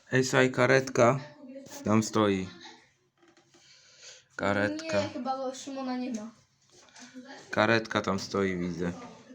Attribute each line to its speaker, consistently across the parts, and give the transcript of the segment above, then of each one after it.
Speaker 1: Ej, słuchaj, karetka tam stoi. Karetka.
Speaker 2: Nie, chyba go Szymona nie ma.
Speaker 1: Karetka tam stoi, widzę.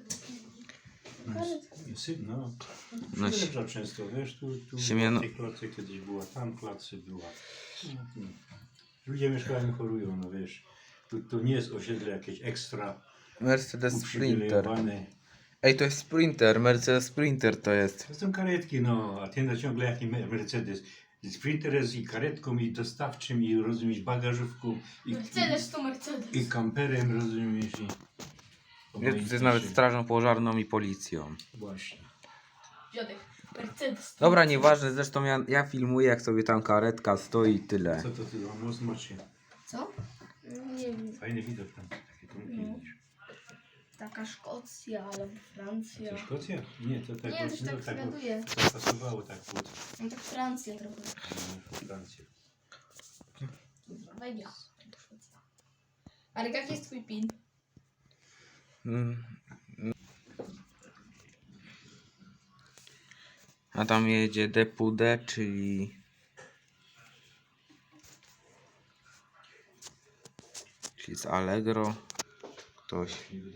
Speaker 3: No,
Speaker 1: No,
Speaker 3: przyjeżdża często, wiesz, tu
Speaker 1: Siemiano-
Speaker 3: w tej klatce kiedyś była, tam w klatce była. Ludzie mieszkają, chorują, no wiesz. Tu nie jest osiedle jakieś ekstra
Speaker 1: Mercedes Sprinter.
Speaker 3: uprzywilejowane.
Speaker 1: Ej, to jest Sprinter, Mercedes Sprinter to jest.
Speaker 3: To są karetki, no, a ten ciągle jaki Mercedes. Sprinter jest i karetką, i dostawczym, i rozumiesz, bagażówką,
Speaker 2: Mercedes to Mercedes.
Speaker 3: i kamperem, rozumiesz,
Speaker 1: Jest nawet strażą pożarną i policją.
Speaker 3: Właśnie.
Speaker 2: Dziadek. Mercedes.
Speaker 1: Dobra, nieważne, zresztą ja filmuję, jak sobie tam karetka stoi i tyle.
Speaker 3: Co to ty za most macie?
Speaker 2: Co? Nie wiem.
Speaker 3: Fajny widok tam, takie trunki
Speaker 2: No.
Speaker 3: widzisz.
Speaker 2: Taka Szkocja albo Francja.
Speaker 3: Co, Szkocja? Nie, to tak,
Speaker 2: Nie, to tak zgaduję.
Speaker 3: to pasowało tak pod
Speaker 2: No tak Francja trochę.
Speaker 3: Francję.
Speaker 2: Wejdzie. Ale jaki jest twój pin?
Speaker 1: Mm. A tam jedzie Depude, czyli z Allegro. Ktoś.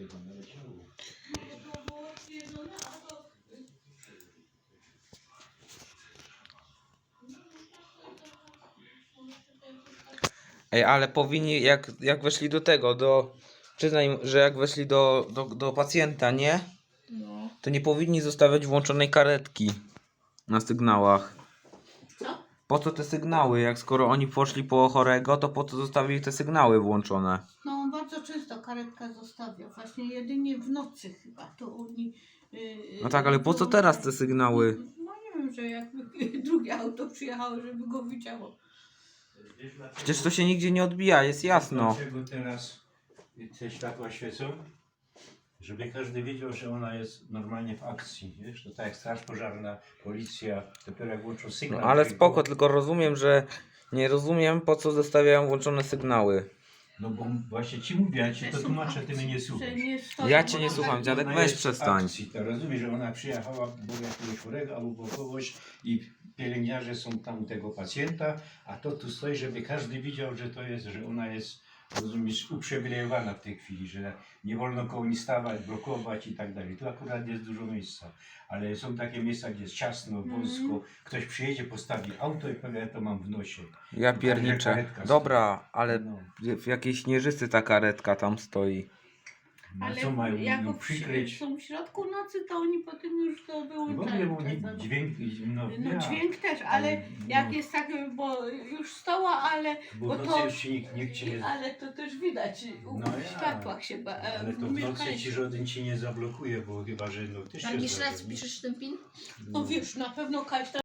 Speaker 1: Ej, ale powinni, jak weszli do tego, przyznaj, że jak weszli do pacjenta, nie?
Speaker 2: No.
Speaker 1: To nie powinni zostawiać włączonej karetki na sygnałach.
Speaker 2: Co?
Speaker 1: Po co te sygnały? Jak skoro oni poszli po chorego, to po co zostawili te sygnały włączone?
Speaker 4: No bardzo często karetka zostawia, właśnie jedynie w nocy chyba, to oni...
Speaker 1: No tak, ale po co teraz te sygnały?
Speaker 4: No nie wiem, że jakby drugie auto przyjechało, żeby go widziało.
Speaker 1: Przecież to się nigdzie nie odbija, jest jasno.
Speaker 3: Dlaczego teraz te światła świecą? Żeby każdy wiedział, że ona jest normalnie w akcji, wiesz? To tak jak straż pożarna, policja, dopiero jak włączą
Speaker 1: No
Speaker 3: sygnał.
Speaker 1: ale
Speaker 3: dźwiękowy-
Speaker 1: spoko, tylko rozumiem, że nie rozumiem, po co zostawiają włączone sygnały.
Speaker 3: No bo właśnie ci mówię, ja ci to tłumaczę, ty mnie nie słuchasz.
Speaker 1: Ja cię nie słucham, dziadek,
Speaker 3: Ona
Speaker 1: weź
Speaker 3: jest w
Speaker 1: przestań.
Speaker 3: akcji, to rozumiesz, że ona przyjechała, bo jakiegoś chorego albo bo kogoś i pielęgniarze są tam u tego pacjenta, a to tu stoi, żeby każdy widział, że to jest, że ona jest, rozumiesz, uprzywilejowana w tej chwili, że nie wolno koło niej stawać, blokować i tak dalej. Tu akurat jest dużo miejsca, ale są takie miejsca, gdzie jest ciasno, wąsko, ktoś przyjedzie, postawi auto i powie, ja to mam w nosie.
Speaker 1: Ja
Speaker 3: Także
Speaker 1: pierniczę.
Speaker 3: karetka
Speaker 1: Dobra, ale
Speaker 3: No.
Speaker 1: w jakiejś Śnieżycy ta karetka tam stoi.
Speaker 3: No
Speaker 4: Ale
Speaker 3: co mają
Speaker 4: jak
Speaker 3: ją przykryć?
Speaker 4: są w środku nocy, to oni potem już to
Speaker 3: W ogóle
Speaker 4: wyłączają.
Speaker 3: bo nie, dźwięk,
Speaker 4: No
Speaker 3: ja.
Speaker 4: dźwięk też, ale jak jest tak, bo już stała, ale
Speaker 3: Bo
Speaker 4: bo
Speaker 3: w nocy
Speaker 4: to-
Speaker 3: już się nikt cię nie...
Speaker 4: ale to też widać
Speaker 3: No
Speaker 4: w
Speaker 3: ja.
Speaker 4: światłach się
Speaker 3: Ale to w nocy ci żaden ci nie zablokuje, bo chyba, że no też
Speaker 2: Tam
Speaker 3: się
Speaker 2: jeszcze raz
Speaker 3: zdarzy, nie?
Speaker 2: piszesz ten pin?
Speaker 4: No wiesz, na pewno Kaś